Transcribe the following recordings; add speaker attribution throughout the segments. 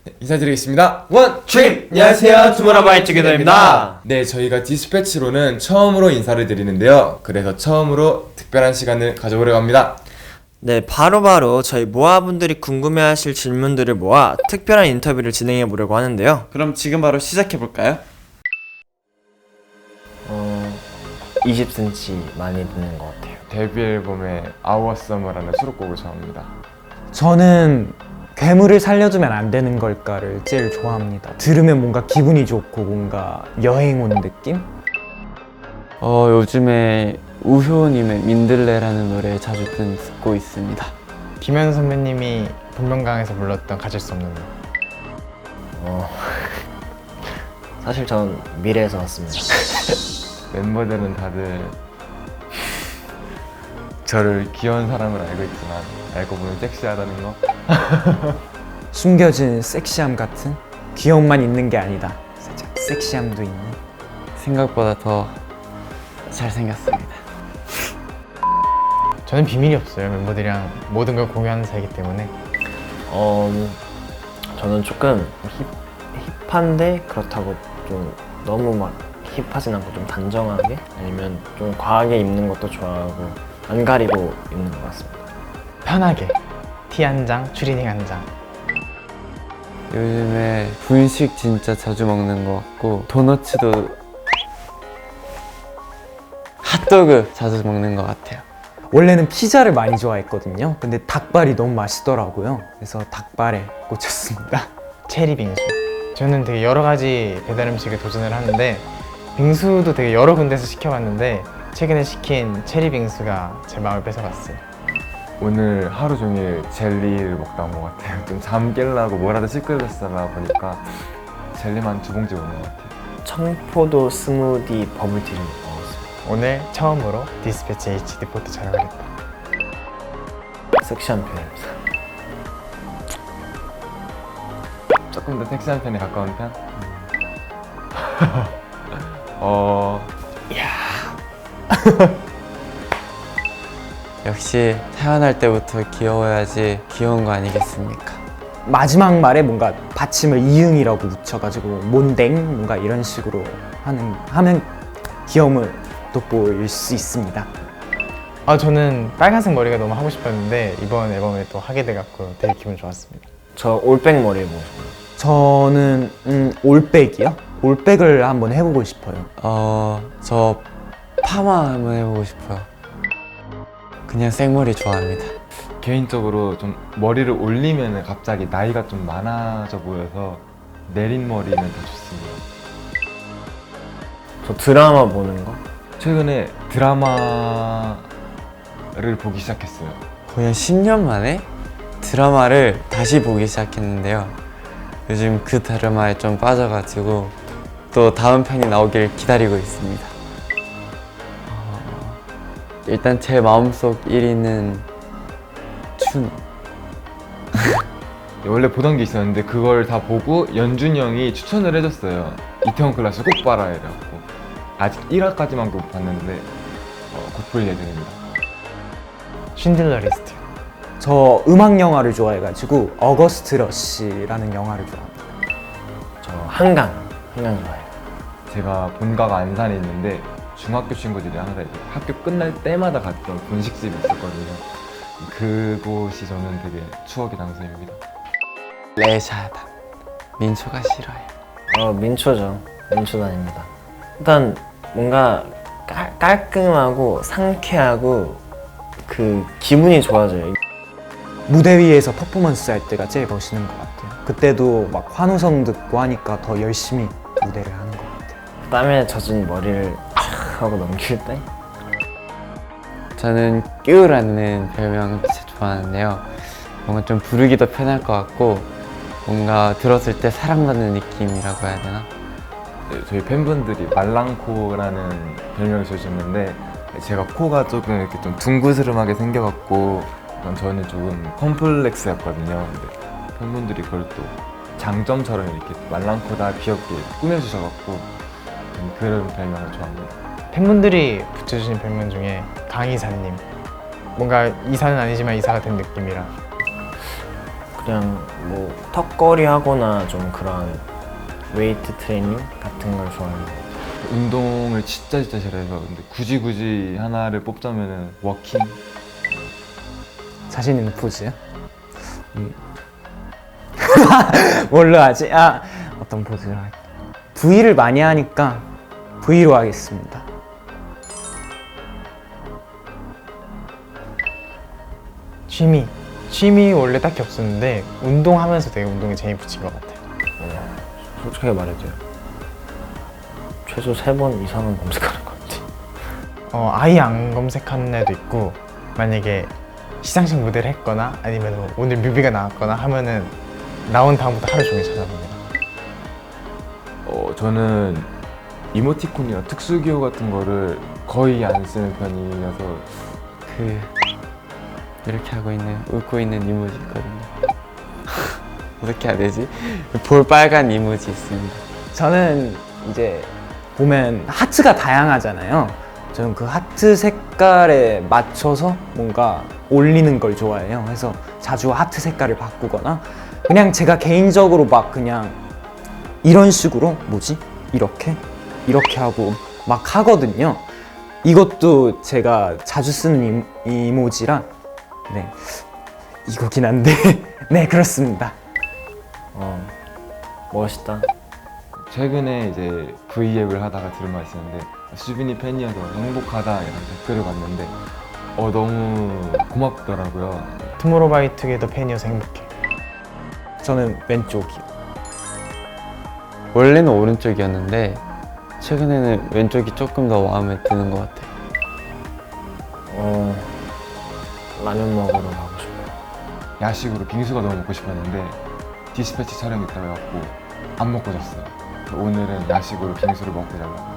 Speaker 1: 인사드리겠습니다.
Speaker 2: 원트립! 안녕하세요, 투모로우바이 투게더입니다.
Speaker 1: 네, 저희가 디스패치로는 처음으로 인사를 드리는데요. 그래서 처음으로 특별한 시간을 가져보려고 합니다.
Speaker 2: 네, 바로바로 저희 모아분들이 궁금해하실 질문들을 모아 특별한 인터뷰를 진행해 보려고 하는데요.
Speaker 3: 그럼 지금 바로 시작해볼까요?
Speaker 2: 20cm 많이 듣는 것 같아요.
Speaker 1: 데뷔 앨범의 Our Summer라는 수록곡을 좋아합니다.
Speaker 4: 저는 괴물을 살려주면 안 되는 걸까를 제일 좋아합니다. 들으면 뭔가 기분이 좋고 뭔가 여행 온 느낌?
Speaker 5: 요즘에 우효님의 민들레라는 노래 자주 듣고 있습니다.
Speaker 6: 김현우 선배님이 본명강에서 불렀던 가질 수 없는 너.
Speaker 2: 사실 전 미래에서 왔습니다.
Speaker 1: 멤버들은 다들 저를 귀여운 사람으로 알고 있지만 알고 보면 섹시하다는 거.
Speaker 4: 숨겨진 섹시함 같은? 귀여움만 있는 게 아니다. 살짝 섹시함도 있는?
Speaker 5: 생각보다 더 잘생겼습니다.
Speaker 6: 저는 비밀이 없어요. 멤버들이랑 모든 걸 공유하는 사이기 때문에.
Speaker 2: 저는 조금 힙한데 그렇다고 좀 너무 막 힙하진 않고 좀 단정하게 아니면 좀 과하게 입는 것도 좋아하고 안 가리고 입는 것 같습니다.
Speaker 6: 편하게 티 한 장, 추리닝 한 장.
Speaker 5: 요즘에 분식 진짜 자주 먹는 것 같고 도너츠도 핫도그 자주 먹는 것 같아요.
Speaker 4: 원래는 피자를 많이 좋아했거든요. 근데 닭발이 너무 맛있더라고요. 그래서 닭발에 꽂혔습니다.
Speaker 6: 체리 빙수. 저는 되게 여러 가지 배달 음식에 도전을 하는데 빙수도 되게 여러 군데서 시켜봤는데 최근에 시킨 체리 빙수가 제 마음을 뺏어갔어요.
Speaker 1: 오늘 하루 종일 젤리를 먹다 온 것 같아요. 좀 잠 깨려고 뭐라도 시끌렸다가 보니까 젤리만 2봉지 먹는 것 같아요.
Speaker 2: 청포도 스무디 버블티를 먹었어요.
Speaker 6: 오늘 처음으로 디스패치 HD 포트 촬영을 했다.
Speaker 2: 섹시한 편입니다.
Speaker 1: 조금 더 섹시한 편에 가까운 편?
Speaker 5: 역시 태어날 때부터 귀여워야지 귀여운 거 아니겠습니까?
Speaker 4: 마지막 말에 뭔가 받침을 이응이라고 붙여가지고 몬댕 뭔가 이런 식으로 하면 귀여움을 돋보일 수 있습니다.
Speaker 6: 저는 빨간색 머리가 너무 하고 싶었는데 이번 앨범에 또 하게 돼갖고 되게 기분 좋았습니다.
Speaker 2: 저 올백 머리 해보고 싶어요.
Speaker 4: 저는 올백이요? 올백을 한번 해보고 싶어요.
Speaker 5: 저 파마 한번 해보고 싶어요. 그냥 생머리 좋아합니다.
Speaker 1: 개인적으로 좀 머리를 올리면 갑자기 나이가 좀 많아져 보여서 내린 머리는 더 좋습니다.
Speaker 2: 저 드라마 보는 거?
Speaker 1: 최근에 드라마를 보기 시작했어요.
Speaker 5: 거의 한 10년 만에 드라마를 다시 보기 시작했는데요. 요즘 그 드라마에 좀 빠져가지고 또 다음 편이 나오길 기다리고 있습니다. 일단 제 마음속 1위는 춘우.
Speaker 1: 원래 보던 게 있었는데 그걸 다 보고 연준이 형이 추천을 해줬어요. 이태원 클라스 꼭 봐라 이래갖고 아직 1화까지만 못 봤는데 곧 볼 예정입니다.
Speaker 6: 쉰들러 리스트.
Speaker 4: 저 음악 영화를 좋아해가지고 어거스트 러시라는 영화를 좋아합니다.
Speaker 2: 저 한강 좋아해요.
Speaker 1: 제가 본가가 안산에 있는데 중학교 친구들이 항상 이제 학교 끝날 때마다 갔던 분식집이 있었거든요. 그곳이 저는 되게 추억의 장소입니다.
Speaker 5: 레샤다. 민초가 싫어요.
Speaker 2: 민초죠. 민초단입니다. 일단 뭔가 깔끔하고 상쾌하고 그 기분이 좋아져요.
Speaker 4: 무대 위에서 퍼포먼스 할 때가 제일 멋있는 것 같아요. 그때도 막 환호성 듣고 하니까 더 열심히 무대를 하는 것 같아요.
Speaker 2: 땀에 젖은 머리를 하고 넘길 때?
Speaker 5: 저는 끼우라는 별명 진짜 좋아하는데요. 뭔가 좀 부르기도 편할 것 같고 뭔가 들었을 때 사랑받는 느낌이라고 해야 되나?
Speaker 1: 네, 저희 팬분들이 말랑코라는 별명을 주셨는데 제가 코가 조금 이렇게 좀 둥그스름하게 생겨갖고 저는 조금 컴플렉스였거든요. 근데 팬분들이 그걸 또 장점처럼 이렇게 말랑코다 귀엽게 꾸며주셔갖고 저는 그런 별명을 좋아합니다.
Speaker 6: 팬분들이 붙여주신 별명 중에 강이사님. 뭔가 이사는 아니지만 이사가 된 느낌이라.
Speaker 2: 그냥 뭐 턱걸이 하거나 좀 그런 웨이트 트레이닝 같은 걸 좋아해요.
Speaker 1: 운동을 진짜 싫어해서 근데 굳이 하나를 뽑자면은 워킹.
Speaker 4: 자신 있는 포즈요? 뭘로 하지? 어떤 포즈를 할까? V를 많이 하니까 V로 하겠습니다.
Speaker 6: 취미 원래 딱히 없었는데 운동하면서 되게 운동에 재미 붙인 것 같아요.
Speaker 2: 솔직하게 말해도요. 최소 3번 이상은 검색하는 것 같아요.
Speaker 6: 아예 안 검색하는 애도 있고 만약에 시상식 무대를 했거나 아니면 뭐 오늘 뮤비가 나왔거나 하면은 나온 다음부터 하루 종일 찾아봅니다.
Speaker 1: 저는 이모티콘이나 특수기호 같은 거를 거의 안 쓰는 편이어서
Speaker 5: 이렇게 하고 있는 웃고 있는 이모지 있거든요. 어떻게 해야 되지? 볼 빨간 이모지 있습니다.
Speaker 4: 저는 이제 보면 하트가 다양하잖아요. 저는 그 하트 색깔에 맞춰서 뭔가 올리는 걸 좋아해요. 그래서 자주 하트 색깔을 바꾸거나 그냥 제가 개인적으로 막 그냥 이런 식으로 이렇게 하고 막 하거든요. 이것도 제가 자주 쓰는 이모지라 이거긴 한데 네, 그렇습니다.
Speaker 2: 멋있다.
Speaker 1: 최근에 이제 V앱을 하다가 들은 말이 있었는데 수빈이 팬이어서 행복하다 이런 댓글을 봤는데 너무 고맙더라고요.
Speaker 6: 투모로우바이투게더 팬이어서 행복해.
Speaker 4: 저는 왼쪽이요.
Speaker 5: 원래는 오른쪽이었는데 최근에는 왼쪽이 조금 더 마음에 드는 것 같아요.
Speaker 2: 라면 먹으러 가고 싶어요.
Speaker 1: 야식으로 빙수가 너무 먹고 싶었는데 디스패치 촬영 있다고 해갖고 안 먹고 잤어요. 오늘은 야식으로 빙수를 먹고 자려고.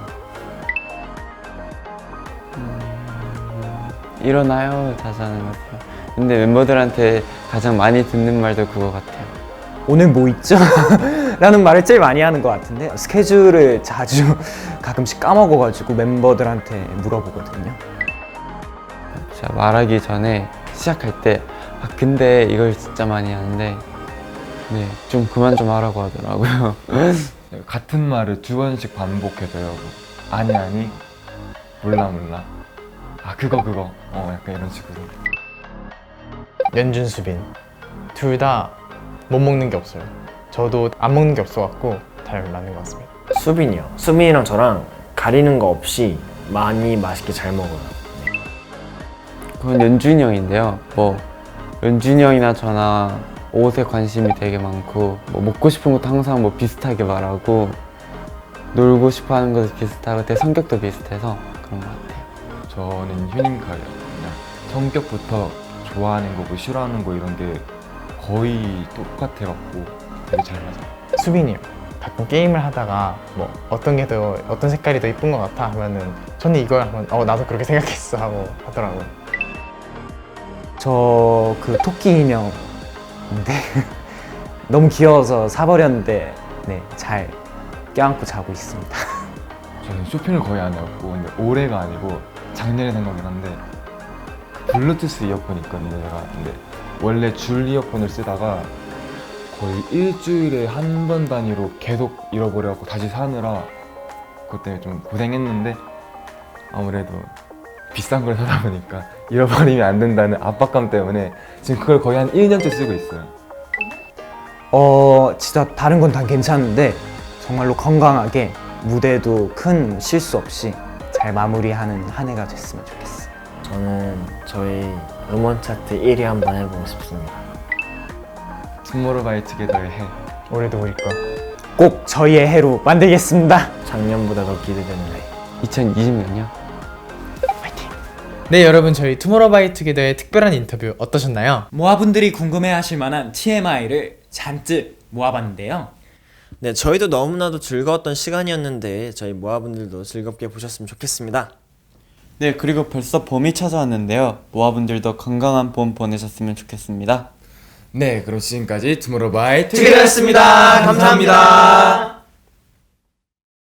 Speaker 5: 일어나요 자주 하는 것 같아요. 근데 멤버들한테 가장 많이 듣는 말도 그거 같아요.
Speaker 4: 오늘 뭐 있죠? 라는 말을 제일 많이 하는 것 같은데 스케줄을 자주 가끔씩 까먹어가지고 멤버들한테 물어보거든요.
Speaker 5: 제가 말하기 전에 시작할 때 근데 이걸 진짜 많이 하는데 좀 그만 좀 하라고 하더라고요.
Speaker 1: 같은 말을 2번씩 반복해줘요. 아니 몰라 그거 약간 이런 식으로.
Speaker 6: 연준, 수빈 둘 다 못 먹는 게 없어요. 저도 안 먹는 게 없어갖고 잘 맞는 것 같습니다.
Speaker 2: 수빈이요. 수빈이랑 저랑 가리는 거 없이 많이 맛있게 잘 먹어요.
Speaker 5: 그건 연준이 형인데요. 연준이 형이나 저나 옷에 관심이 되게 많고 먹고 싶은 것도 항상 비슷하게 말하고 놀고 싶어 하는 것도 비슷하고 되게 성격도 비슷해서 그런 것 같아요.
Speaker 1: 저는 휴닝카예요. 그냥 성격부터 좋아하는 거, 싫어하는 거 이런 게 거의 똑같아갖고 되게 잘 맞아요.
Speaker 6: 수빈이요. 가끔 게임을 하다가 어떤 색깔이 더 이쁜 것 같아 하면은 저는 이걸 하면 나도 그렇게 생각했어 하고 하더라고요.
Speaker 4: 저 그 토끼 인형인데 너무 귀여워서 사버렸는데 잘 껴안고 자고 있습니다.
Speaker 1: 저는 쇼핑을 거의 안 해갖고 근데 올해가 아니고 작년에 산 거긴 한데 블루투스 이어폰 있거든요. 제가 근데 원래 줄 이어폰을 쓰다가 거의 일주일에 한 번 단위로 계속 잃어버려갖고 다시 사느라 그것 때문에 좀 고생했는데 아무래도 비싼 걸 사다 보니까 잃어버리면 안 된다는 압박감 때문에 지금 그걸 거의 한 1년째 쓰고 있어요.
Speaker 4: 진짜 다른 건 다 괜찮은데 정말로 건강하게 무대도 큰 실수 없이 잘 마무리하는 한 해가 됐으면 좋겠어요.
Speaker 2: 저는 저희 음원 차트 1위 한번 해보고 싶습니다.
Speaker 1: 투모로우바이투게더의 해.
Speaker 6: 올해도 우리 거.
Speaker 4: 꼭 저희의 해로 만들겠습니다.
Speaker 2: 작년보다 더 기대되는 해.
Speaker 5: 2020년이요?
Speaker 6: 네, 여러분 저희 투모로우바이투게더의 특별한 인터뷰 어떠셨나요?
Speaker 4: 모아분들이 궁금해하실 만한 TMI를 잔뜩 모아봤는데요.
Speaker 2: 네, 저희도 너무나도 즐거웠던 시간이었는데 저희 모아분들도 즐겁게 보셨으면 좋겠습니다.
Speaker 5: 네, 그리고 벌써 봄이 찾아왔는데요. 모아분들도 건강한 봄 보내셨으면 좋겠습니다.
Speaker 1: 네, 그럼 지금까지 투모로우바이투게더였습니다.
Speaker 2: 투게더였습니다. 감사합니다.